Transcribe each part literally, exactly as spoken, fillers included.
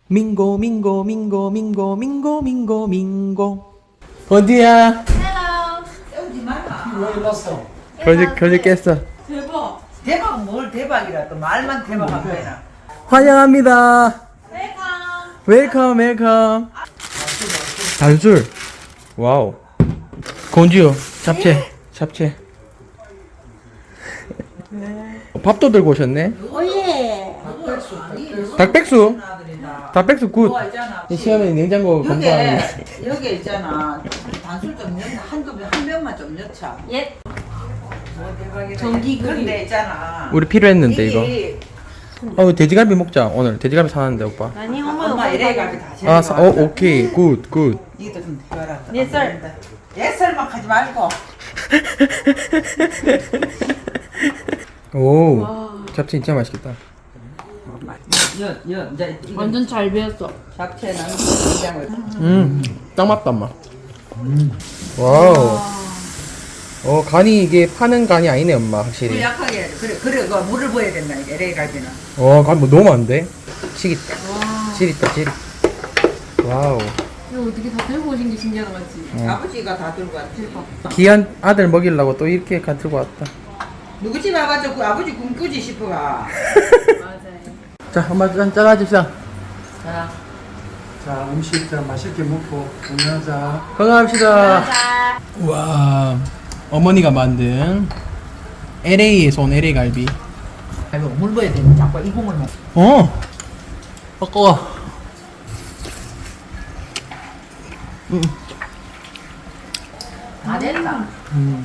민고 민고 민고 민고 민고 민고 민고. 어디야? 깨우지 마라. 왜 일났어? 거지 거지 깼어. 대박. 대박 뭘 대박이라 또 말만 대박한 거야. 환영합니다. 웰컴 웰컴. 단술. 와우. 건지요. 잡채 잡채. 밥도 들고 오셨네. 오예. 닭백수. 닭백수 굿. 그거 있잖아. 이 시험에 냉장고 검사하는. 여기 여기 있잖아. 단술 좀 넣, 한두 병한 병만 좀 넣자. 예. 뭐 대박이라. 전기 그림. 근데 있잖아. 우리 필요했는데 이거. 이게 어 돼지갈비 먹자. 오늘 돼지갈비 사놨는데 오빠. 아니 엄마 엄마 이래가지고 다 제일 아, 사, 어 오케이 굿 굿. 이것도 좀 해봐라. 옛살. 옛살만 하지 말고. 오. 잡채 진짜 맛있겠다. 여, 여, 이제 이거 완전 잘 배웠어. 잡채는 된장을. 음, 딱 맞다 엄마. 와우. 어 간이 이게 파는 간이 아니네 엄마 물 확실히. 약하게 해야 돼. 그래, 그래, 그 물을 부어야 된다. 이게 엘에이 갈비는. 어 간 뭐 너무 많은데? 치겠다. 치리다 치리. 와우. 이거 어떻게 다 들고 오신 게 신기하다 맞지? 어. 아버지가 다 들고 왔지. 귀한 아들 먹이려고 또 이렇게 간 들고 왔다. 누구 집 와가지고 그 아버지 굶꾸지 싶어가. 맞아요. 자 엄마 짠 짜가집시다. 자, 자, 음식 자 맛있게 먹고 건강하자. 건강합시다. 와 어머니가 만든 엘에이에서 온 엘에이 갈비. 아이고 물 부어야 되는 자꾸 이 국물 먹. 어. 바꿔. 음. 다 됐다. 음.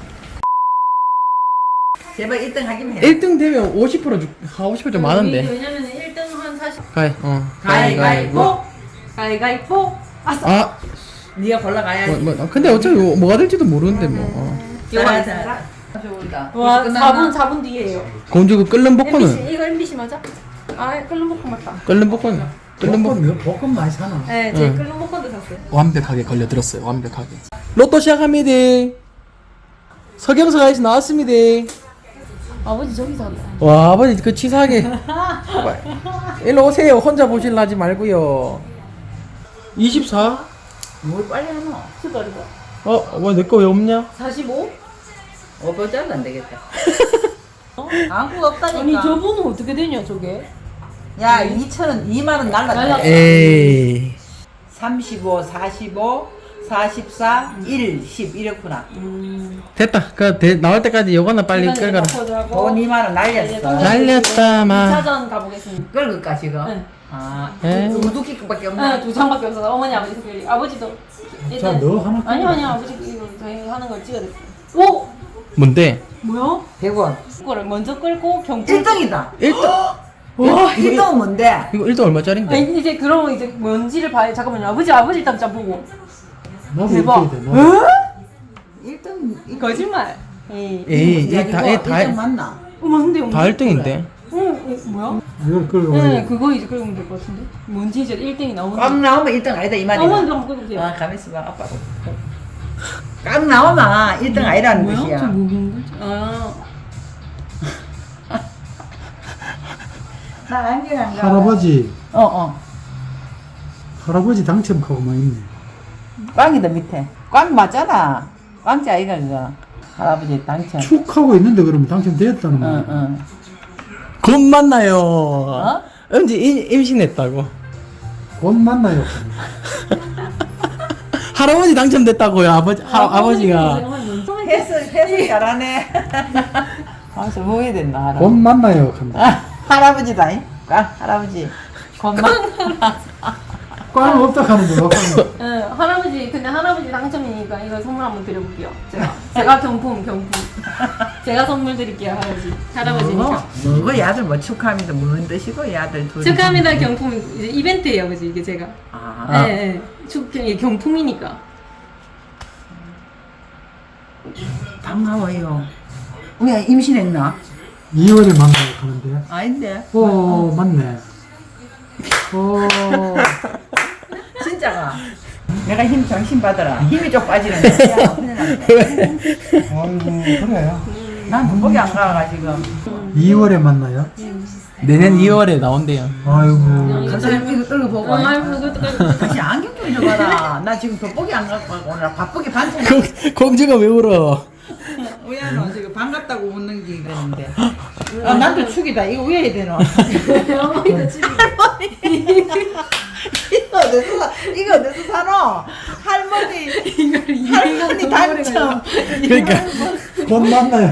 제발 일 등 하기만 해. 일 등 되면 오십 퍼센트 주, 아, 오십 퍼센트 좀 많은데. 왜냐면 일 등 한 사십. 가위, 어. 가위가위보. 가위가위보. 아싸. 아, 네가 골라가야지. 뭐, 뭐, 근데 어차피 뭐, 뭐가 될지도 모르는데 뭐. 어. 요거 자, 있습니다. 자, 자. 보인다. 와 벌써 사 분 끝났나? 사 분 뒤에요. 공주 그 끓는 엠비씨 볶음은 이거 엠비씨 맞아? 아 끓는 볶음 맞다. 끓는 볶음 끓는 볶음 볶음, 볶음 많이 사나? 네, 제 응. 끓는 볶음도 샀어요. 완벽하게 걸려들었어요. 완벽하게. 로또 시작합니다. 서경석 아저씨 나왔습니다. 아버지 저기서 한다. 와 아버지 그 치사하게. 일로 오세요. 혼자 보실라 하지 말고요. 이십사? 뭘 빨리 하노? 수다리가. 어, 왜 내 거 왜 없냐? 사십오? 오버 잘안 되겠다. 아무 없다니까. 아니 저분은 어떻게 되냐 저게? 야, 이천 원, 이만 원 날랐다. 날랐다. 에이. 삼십오, 사십오, 사십사, 일, 십 이렇구나. 음. 됐다. 그 대, 나올 때까지 요거나 빨리 끌거라. 돈 이만 원 날렸어. 날렸다 마. 이 차전 가보겠습니다. 끌을까 지금? 네. 아, 에? 우두키밖에 없네. 네, 두 장밖에 없어서 어머니 아버지 특별히 아버지도 자, 일단 너 하나 아니 아니 아버지 이거 저희 하는 걸 찍어냈어요. 오 뭔데? 뭐야? 백 원. 그거를 먼저 끌고 경품. 일 등이다. 일 등. 와, 일 등은 뭔데? 이거 일 등 얼마짜린데? 아니 이제 그러면 이제 뭔지를 봐야 잠깐만요. 아버지 아버지 일단 좀 보고. 나도 대박. 이렇게 돼. 나도. 일 등. 거짓말. 에이. 에이, 야, 이 다, 이거 이 다, 일 등 맞나? 어 맞는데 다 일 등인데. 어 이거 뭐야? 이걸 끌고 네 가야 그거 이제 끌면 될 것 같은데. 뭔지 이제 일 등이 나오는. 꽉 나오면 일 등 아니다 이 말이야. 어머니도 한번 끌어보세요. 아, 가만 있어봐, 아빠. 꽉 나오면 일 등 아니라는 뭐야? 저 뜻이야. 뭐인 거지? 아. 나 안경 안 가. 할아버지, 어, 어. 할아버지 당첨하고만 있네. 꽝이다 밑에. 꽝 맞잖아. 꽝자 아이가 그거. 할아버지 당첨. 축 하고 있는데 그러면 당첨되었다는 응, 거야. 응. 곧 만나요. 어? 은지 임, 임신했다고. 곧 만나요. 할아버지 당첨됐다고요. 아버지 할 아버지가. 해석 해석 잘하네. 아, 저 뭐해야 된다 할아버지. 곧 만나요. 간다. 아, 할아버지다. 이. 꽝 할아버지. 곰마. 꽝 없다 하는 거야. 응, 할아버지, 근데 할아버지 당첨이니까 이거 선물 한번 드려볼게요. 제가. 제가 경품, 경품. 제가 선물 드릴게요, 할아버지. 할아버지니까. 뭐, 뭐고 이 아들 뭐 축하합니다. 무슨 뜻이고 이 아들 둘이. 축하합니다, 경품. 이제 이벤트예요, 아버지, 이게 제가. 아, 네, 네. 축, 이게 경품이니까. 반가워요. 왜 임신했나? 이월에 만나요 하는데. 아닌데. 오, 맞네. 오, 진짜가. 내가 힘 정신 받아라. 힘이 좀 빠지는 거야. 큰일 났네. 아이고, 그래요. 난 문복이 안 가가 지금. 이월에 만나요? 내년 이월에 나온대요. 아이고. 간사님 이거 이거 보고. 어, 아이고 그것도 깔고. 다시 안경 좀 줘봐라. 나 지금 돋보기 안 갖고 가고 오늘 바쁘게 반찬. 공, 공주가 왜 울어? 우야는 지금 반갑다고 웃는 게 그랬는데. 아, 난또 축이다. 이거 우야야 되노. 어머니도 집이. 이거 어디서 사- 이거 어디서 사노? 할머니 이걸 할머니 당첨. 그러니까 곧 만나요.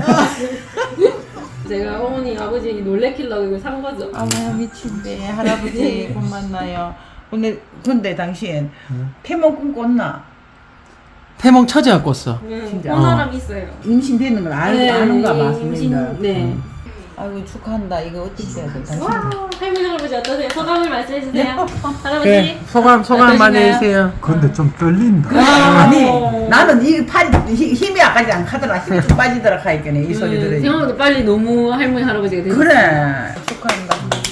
제가 어머니 아버지 놀래키려고 이걸 산 거죠. 아마야 미친데 할아버지 곧 만나요. 근데 근데 당신 태몽 꿈꿨나? 태몽 처제가 꿨어. 네, 진짜. 본 사람 있어요. 임신되는 걸 알, 네, 아는가 봐. 임신. 선생님들. 네. 아이고 축하한다. 이거 어떻게 해야 돼? 당신. 와, 할머니 할아버지 어떠세요? 소감을 말씀해 주세요. 할아버지. 그래 소감 소감 많이 어떠신가요? 해주세요. 근데 좀 떨린다. 아, 아니 나는 이 팔이 힘- 힘이 아까지 안 가더라. 힘이 좀 빠지더라 하니까네 이 소리 들으니. 형도 빨리 너무 할머니 할아버지가 되셨어요. 그래 축하한다.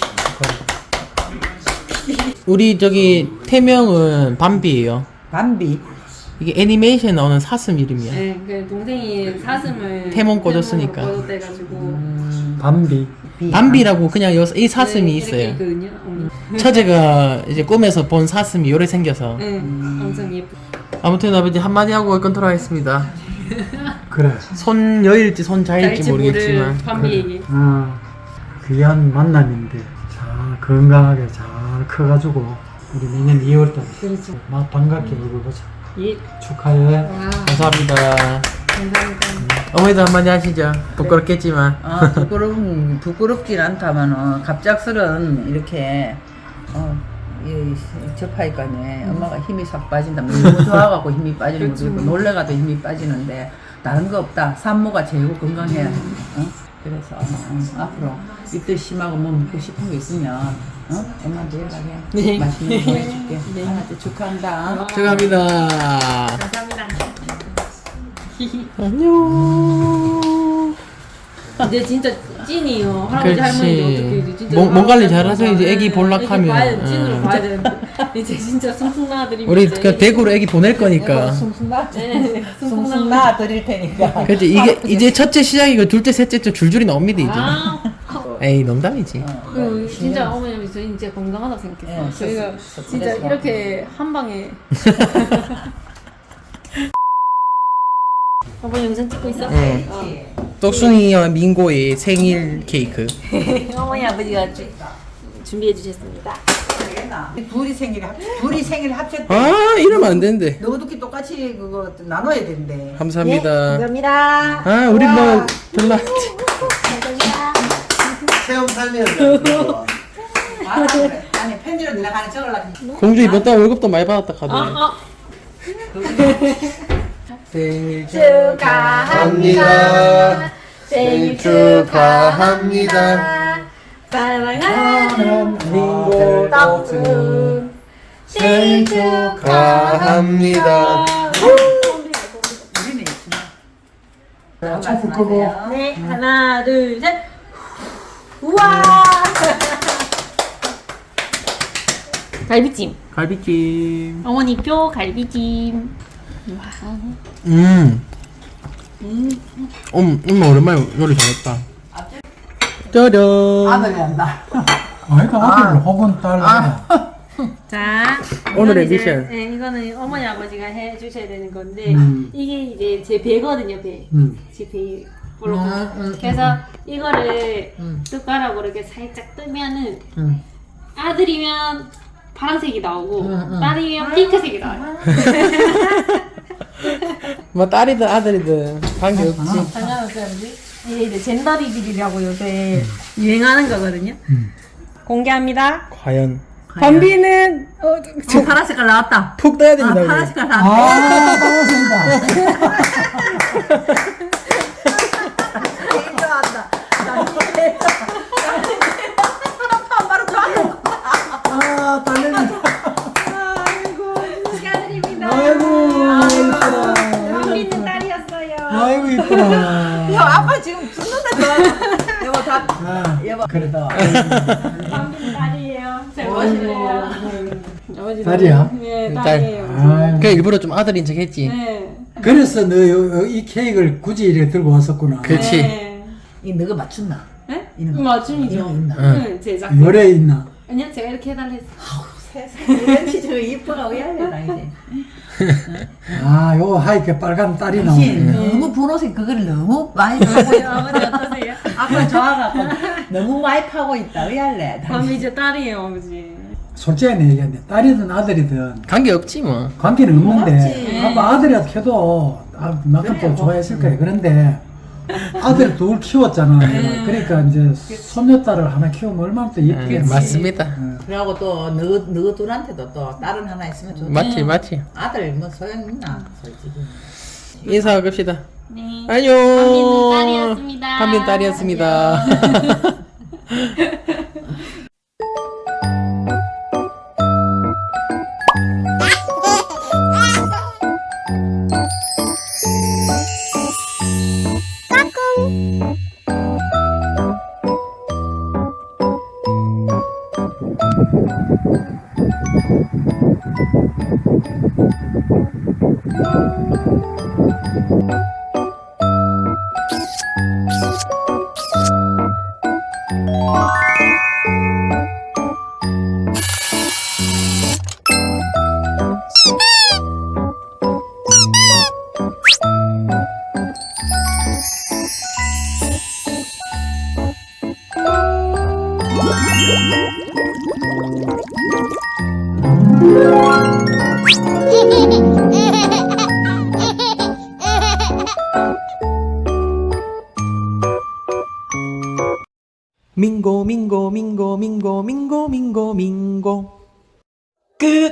우리 저기 태명은 밤비예요. 밤비. 이게 애니메이션 나오는 사슴 이름이야. 네, 그 동생이 사슴을 태몽 꽂았으니까. 꽂았대가지고 밤비. 밤비라고 그냥 요, 이 사슴이 네, 이렇게 있어요. 있거든요. 음. 처제가 이제 꿈에서 본 사슴이 요래 생겨서. 네, 엄청 예쁘. 아무튼 아버지 한마디 하고 끊도록 하겠습니다. 그래. 손 여일지 손 자일지 잘지 모를 모르겠지만. 밤비 얘기. 어, 귀한 만남인데 잘 건강하게 잘 커가지고 우리 내년 이월달 그렇죠. 막 반갑게 얼굴 보자. 예. 축하해. 와, 감사합니다. 감사합니다. 어머니도 한마디 하시죠. 부끄럽겠지만. 어, 부끄럽 부끄럽진 않다만 갑작스런 이렇게 어, 이, 접하니까네 엄마가 힘이 싹 빠진다. 너무 좋아갖고 힘이 빠지는 것도 있고 놀래가도 힘이 빠지는데 다른 거 없다. 산모가 제일 건강해야 돼. 어? 그래서 어, 앞으로 입도 심하고 뭐 먹고 싶은 거 있으면 어? 엄마한테 연락해. 네. 맛있는 거 보내줄게. 하나한테 축하한다. 축하합니다. 감사합니다. 안녕. 이제 진짜 찐이요. 할아버지 할머니 어떻게 이제 진짜 몸, 몸 관리 잘하세요. 이제 애기 볼락하면. 봐야 돼. 찐으로 응. 봐야 되는데 이제 진짜 숭숭 나드리면 우리 그 대구로 애기 보낼 거니까. 숭숭 나. 네, 숭숭 나 드릴 테니까. 그렇지 이게 이제 첫째 시작이고 둘째 셋째 좀 줄줄이 나옵니다 이제. 아, 에이 농담이지. 그 진짜 어머님이 저희 진짜 건강하다고 생각했어요. 예, 저희가 서- 서- 진짜 그래서. 이렇게 한 방에. 어머니 영상 찍고 있어? 응. 어. 똑순이와 민고의 생일 케이크. 어머니 아버지가 주, 준비해 주셨습니다. 둘이 생일 합 둘이 생일 합쳤대. 아 이러면 안 되는데. 너도끼 똑같이 그거 나눠야 된대. 감사합니다. 감사합니다. 아 우리 뭐 별로. 체험 살면서. 아, 그래. 아니 편지로 내가 가는 적을라. 공주 이번 달 월급도 많이 받았다 카드. 아, 아. 생일 축하합니다. 생일 축하합니다. 사랑하는 민고 떡순 생일 축하합니다. 우리는 있지만. 축구 크고. 네, 하나, 둘, 셋. 우와! 갈비찜. 갈비찜. 어머니표 갈비찜. 음. 음. 음, 엄마 오랜만에 요리 잘했다. 짜잔. 아들이 한다. 아이가 아들 혹은 딸. 자, 오늘의 이건 이제, 미션. 네, 이거는 어머니 아버지가 해 주셔야 되는 건데 음. 이게 이제 제 배거든요, 배. 음. 제 배. 볼록. 음, 음, 그래서 이거를 음. 숟가락으로 이렇게 살짝 뜨면은 응. 아들이면 파란색이 나오고 음, 음. 딸이면 핑크색이 나와요. 뭐 딸이든 아들이든 관계 없지. 상관없어야지. 이게 이제 젠더 리빌이라고 요새 유행하는 거거든요. 음. 공개합니다. 과연 범비는 어, 어, 파란 색깔 나왔다. 푹 떠야 아, 됩니다. 우리. 파란 색깔 나왔다. 아, 반갑습니다. 제일 좋아한다. 바로 좋아한다. 아, 딸내미. 축하드립니다. 아이고, 이쁘다. 범비는 딸이었어요. 아이고, 이쁘다. 야, 아빠 지금 죽는다 좋아. 여보 다. 아, 여보. 그래도. 범비는 딸이에요. 잘 멋있네요. 아버지 딸이야? 네, 딸. 딸이에요. 아, 그 일부러 좀 아들인 척 했지. 네. 그래서 너 이 케이크를 굳이 이렇게 들고 왔었구나. 그렇지. 네. 이 너가 맞춘다. 네? 이는 맞춤이죠. 이거 있나? 응. 응, 제작. 열에 있나? 아니요, 제가 이렇게 해달라 했어. 세상에 이런 치즈가 이뻐가 의아해 당신. 아, 요 하얗게 빨간 딸이 당신 나오네. 너무 분홍색 그거를 너무 많이 파고요. 아버지 어떠세요? 아빠 좋아갖고 너무 많이 파고 있다. 의할래. 그럼 이제 딸이에요, 아버지. 솔직히 얘기하는데 딸이든 아들이든 관계 없지 뭐. 관계는 없는데 없지. 아빠 아들이라도 해도 아, 그만큼 그래, 또 좋아했을 거예요. 그런데 아들 둘 키웠잖아. 내가. 그러니까 이제 손녀딸을 하나 키우면 얼마나 또 예, 예쁘겠지. 맞습니다. 그러고 또너 너 둘한테도 또 딸은 하나 있으면 좋지. 맞지 맞지. 아들 뭐 소용 있나 솔직히. 인사 갑시다. 네. 안녕. 밤비는 딸이었습니다. 밤비는 딸이었습니다. 민고 민고 민고 민고 민고 민고 민고 끝.